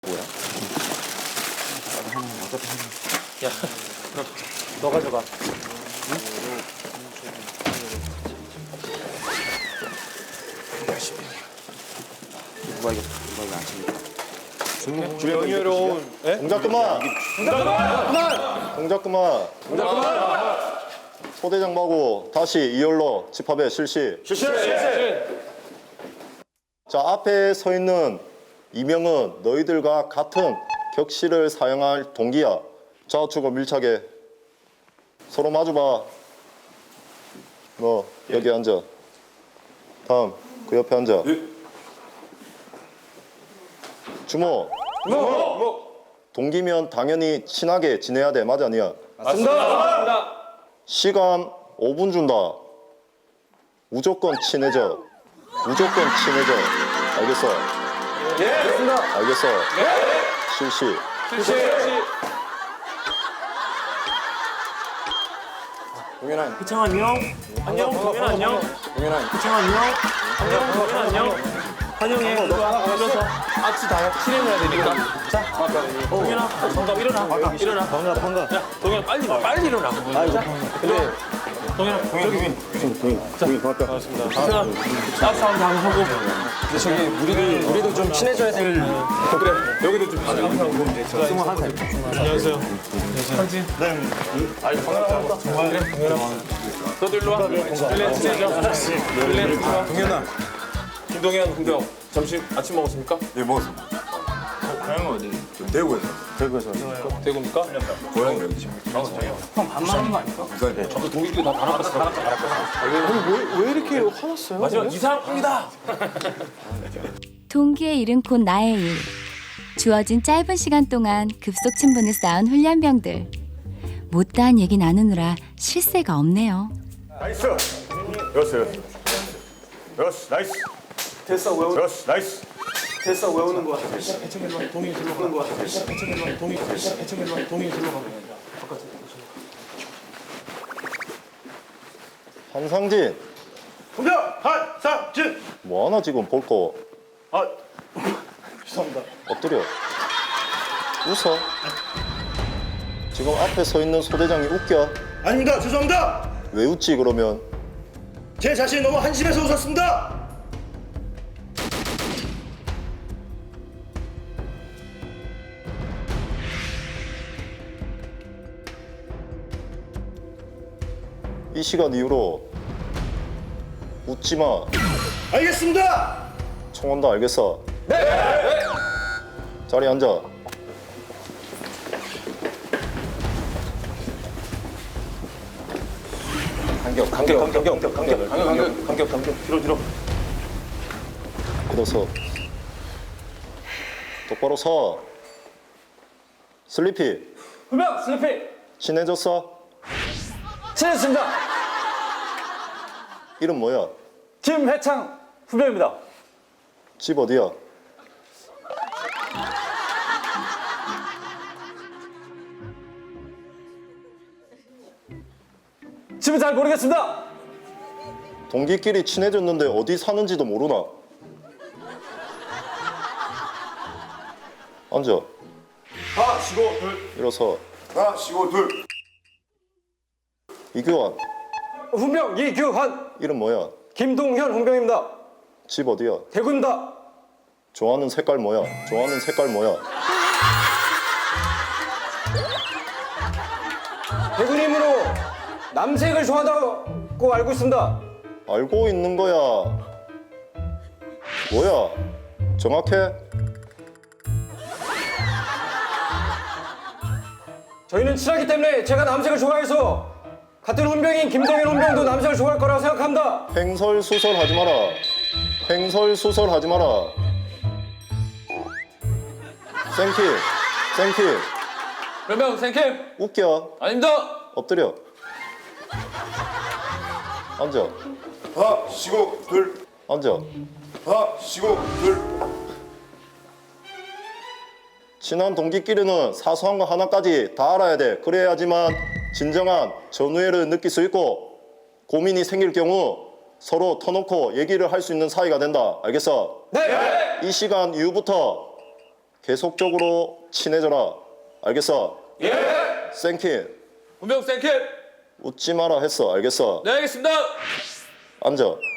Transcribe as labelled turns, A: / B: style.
A: 뭐야?
B: 야, 너 가져가. 응?
A: 누가 이거 아침에
B: 명예로운.
C: 동작 그만! 동작 그만! 소대장 마고 다시 2열로 집합에 실시. 자, 앞에 서 있는 이명은 너희들과 같은 격실을 사용할 동기야. 좌우측으로 밀착해. 서로 마주봐. 너 여기 앉아. 다음 그 옆에 앉아. 주모. 동기면 당연히 친하게 지내야 돼. 맞아, 아니야?
B: 맞습니다.
C: 시간 5분 준다. 무조건 친해져. 무조건 친해져. 알겠어?
B: 예, 알겠습니다.
C: 알겠어? 실시.
A: 동현아
B: 희창 안녕. 안녕. 동현 안녕.
A: 동현아
B: 희창 안녕. 안녕. 동현 안녕. 환영해. 일로 와. 일어서. 아치 다 실행해야 되니까. 자, 동현아, 반갑 일어나. 일어나. 반갑. 야, 동현 빨리 일어나. 자, 그래. 동현아, 반갑습니다. 박수 한번 하고.
A: 근데 저기 우리도 좀 친해져야 될
B: 그래, 여기도 좀 친해져. 21살. 안녕하세요. 상진. 네. 아이고, 반갑다. 정말. 그래, 동현아. 너도 일로 와. 일렌 친해져. 일렌 일로 와.
D: 동현아.
B: 김동현, 홍경. 점심 아침 먹었습니까?
D: 예, 먹었습니다.
B: 고향은 어디?
D: 대구에서.
B: 대구입니까?
D: 고향이 어디지?
B: 형 반말하는 거 아닙니까?
D: 부산에.
B: 저도 동기끼리 다 단합했어.
A: 왜 이렇게 화났어요?
B: 마지막 이상합니다.
E: 동기의 일은 곧 나의 일. 주어진 짧은 시간 동안 급속 친분을 쌓은 훈련병들. 못다한 얘기 나누느라 쉴 새가 없네요.
D: 나이스. 여스. 나이스.
F: 됐어 외우
D: 여스. 나이스.
F: 됐어 외우는 거야.
B: 동이 들러 가는 거야. 동이 들러 가.
C: 한상진.
F: 공격 한상진.
C: 뭐하나 지금 볼 거.
F: 아 죄송합니다.
C: 엎드려. 웃어. 지금 앞에 서 있는 소대장이 웃겨.
F: 아닙니다. 죄송합니다.
C: 왜 웃지 그러면?
F: 제 자신이 너무 한심해서 웃었습니다.
C: 이 시간 이후로 웃지 마.
F: 알겠습니다.
C: 총 온다. 알겠어? 네. 자리 앉아. 간격. 뒤로. 일어서. 똑바로 서. 슬리피.
B: 훈병 슬리피.
C: 친해졌어?
B: 친했습니다.
C: 이름 뭐야?
B: 김해창 훈병입니다.
C: 집 어디야?
B: 집은 잘 모르겠습니다.
C: 동기끼리 친해졌는데 어디 사는지도 모르나? 앉아.
D: 하나, 쉬고, 둘.
C: 일어서.
D: 하나, 쉬고, 둘.
C: 이규환.
F: 훈병 이규환.
C: 이름 뭐야?
F: 김동현 훈병입니다.
C: 집 어디야?
F: 대구입니다.
C: 좋아하는 색깔 뭐야?
F: 대구님으로 남색을 좋아한다고 알고 있습니다.
C: 알고 있는 거야. 뭐야? 정확해?
F: 저희는 친하기 때문에 제가 남색을 좋아해서 같은 훈병인 김동현 훈병도 남색을 좋아할 거라고 생각합니다.
C: 횡설수설하지 마라. 횡설수설하지 마라. 생킬.
B: 훈병 생캠.
C: 웃겨.
B: 아닙니다.
C: 엎드려. 앉아.
D: 하나, 쉬고, 둘.
C: 앉아.
D: 하나, 쉬고, 둘.
C: 친한 동기끼리는 사소한 거 하나까지 다 알아야 돼. 그래야지만 진정한 전우애를 느낄 수 있고 고민이 생길 경우 서로 터놓고 얘기를 할 수 있는 사이가 된다. 알겠어?
F: 네.
C: 이 시간 이후부터 계속적으로 친해져라. 알겠어?
B: 예.
C: 생킨
B: 훈병 생킬.
C: 웃지 마라 했어. 알겠어?
B: 네, 알겠습니다.
C: 앉아.